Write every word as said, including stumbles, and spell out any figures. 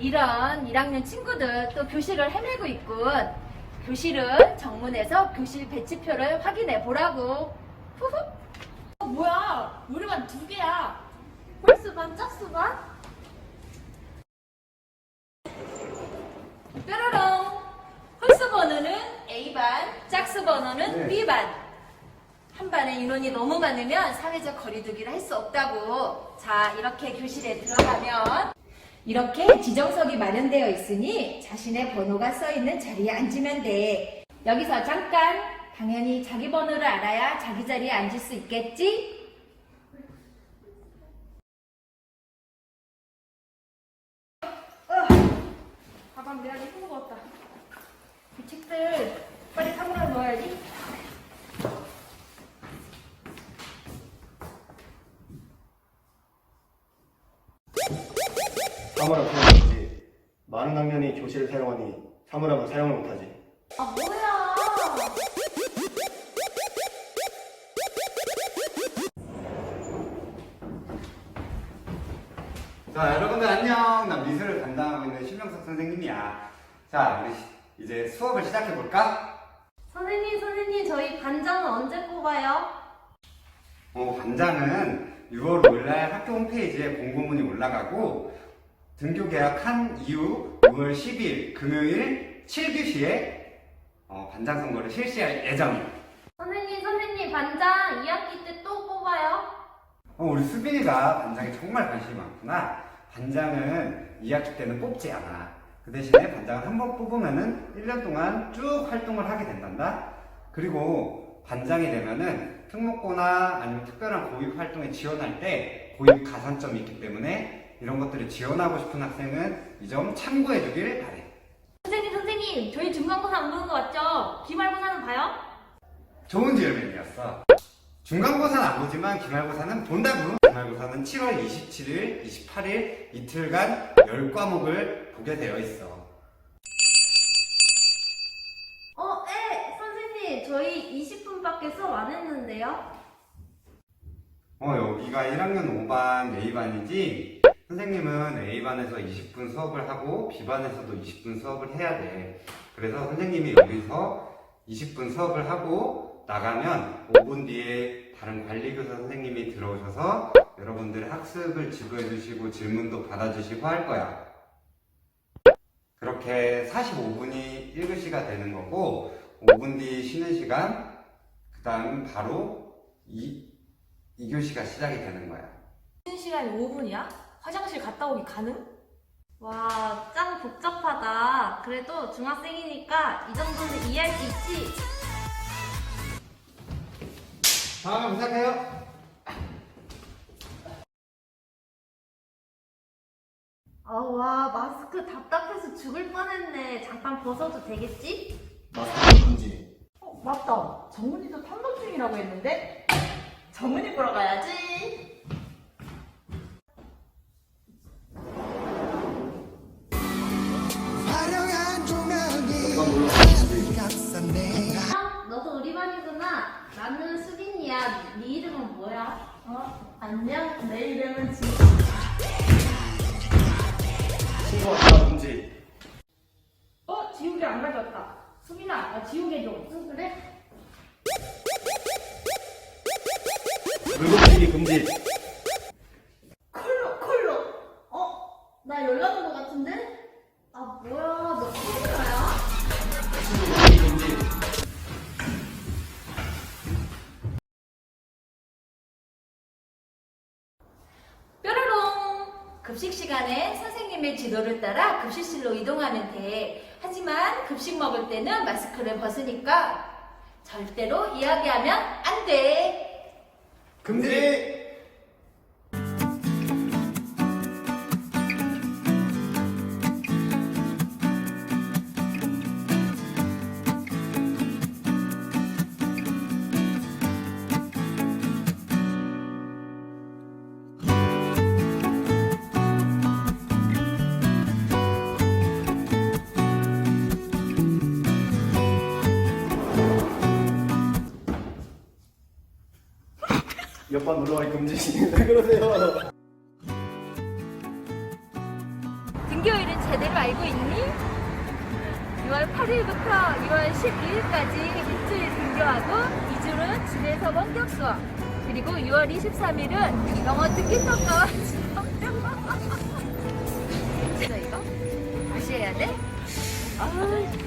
이런 일 학년 친구들 또 교실을 헤매고 있군. 교실은 정문에서 교실 배치표를 확인해 보라고. 후후. 어, 뭐야? 우리만 두 개야. 홀수반, 짝수반? 뾰로롱. 홀수 번호는 A반, 짝수 번호는 네. B반. 한 반에 인원이 너무 많으면 사회적 거리두기를 할 수 없다고. 자, 이렇게 교실에 들어가면 이렇게 지정석이 마련되어 있으니 자신의 번호가 써 있는 자리에 앉으면 돼. 여기서 잠깐, 당연히 자기 번호를 알아야 자기 자리에 앉을 수 있겠지? 가방 내가 내 무거웠다. 이 책들 빨리 사물함 넣어야지. 사물함 사용하지. 많은 학년이 교실을 사용하니 사물함은 사용을 못하지. 아, 뭐야. 자, 여러분들 안녕. 나 미술을 담당하고 있는 신명석 선생님이야. 자, 우리 시- 이제 수업을 시작해 볼까? 선생님, 선생님, 저희 반장은 언제 뽑아요? 어, 반장은 유월 오일날 학교 홈페이지에 공고문이 올라가고 등교 계약한 이후 유월 십일 금요일 칠 교시에 어, 반장 선거를 실시할 예정이야. 선생님, 선생님, 반장 이 학기 때 또 뽑아요? 어, 우리 수빈이가 반장에 정말 관심이 많구나. 반장은 이 학기 때는 뽑지 않아. 그 대신에 반장을 한 번 뽑으면은 일 년 동안 쭉 활동을 하게 된단다. 그리고 반장이 되면은 특목고나 아니면 특별한 고입 활동에 지원할 때 고입 가산점이 있기 때문에 이런 것들을 지원하고 싶은 학생은 이 점 참고해 주길 바래. 선생님, 선생님, 저희 중간고사 안 보는 거 맞죠? 기말고사는 봐요? 좋은 질문이었어. 중간고사는 안 보지만 기말고사는 본다고. 기말고사는 칠월 이십칠일, 이십팔일 이틀간 열 과목을 보게 되어 있어. 어, 에, 선생님, 저희 이십 분밖에 수업 안 했는데요? 어, 여기가 일 학년 오 반 A반이지? 선생님은 A반에서 이십 분 수업을 하고 B반에서도 이십 분 수업을 해야 돼. 그래서 선생님이 여기서 이십 분 수업을 하고 나가면 오 분 뒤에 다른 관리교사 선생님이 들어오셔서 여러분들의 학습을 지도해 주시고 질문도 받아주시고 할 거야. 그렇게 사십오 분이 일 교시가 되는 거고 오 분 뒤 쉬는 시간, 그 다음 바로 이, 이 교시가 시작이 되는 거야. 쉬는 시간이 오 분이야? 화장실 갔다 오기 가능? 와, 짱 복잡하다. 그래도 중학생이니까 이 정도는 이해할 수 있지? 다음에 부탁해요. 아, 와, 마스크 답답해서 죽을 뻔했네. 잠깐 벗어도 되겠지? 마스크 금지. 어, 맞다. 정은이도 탐방 중이라고 했는데? 정은이 보러 가야지. 화려한 조명이 잠깐 놀러 감싸네. 아, 너도 우리 반이구나. 나는 수빈이야. 네 이름은 뭐야? 어, 안녕. 내 이름은 지. 친구와 대화 금지. 어, 지우개 안 가져왔다. 수빈아, 나 지우개 좀. 응, 그래? 물고기 금지. 콜로, 콜로. 어? 나 연락 온 거 같은데? 아, 뭐야. 너 콜로야? 물고기 금지. 뾰로롱! 급식 시간에 선생님의 지도를 따라 급식실로 이동하면 돼. 하지만 급식 먹을 때는 마스크를 벗으니까 절대로 이야기하면 안 돼. 금지. 옆반 놀러가기 금지. 왜 그러세요? 등교일은 제대로 알고 있니? 유월 팔일부터 유월 십이일까지 일주일 등교하고 이 주는 집에서 원격 수업. 그리고 유월 이십삼일은 영어 듣기 평가와 지정 평가. 진짜 이거? 다시 해야 돼? 아,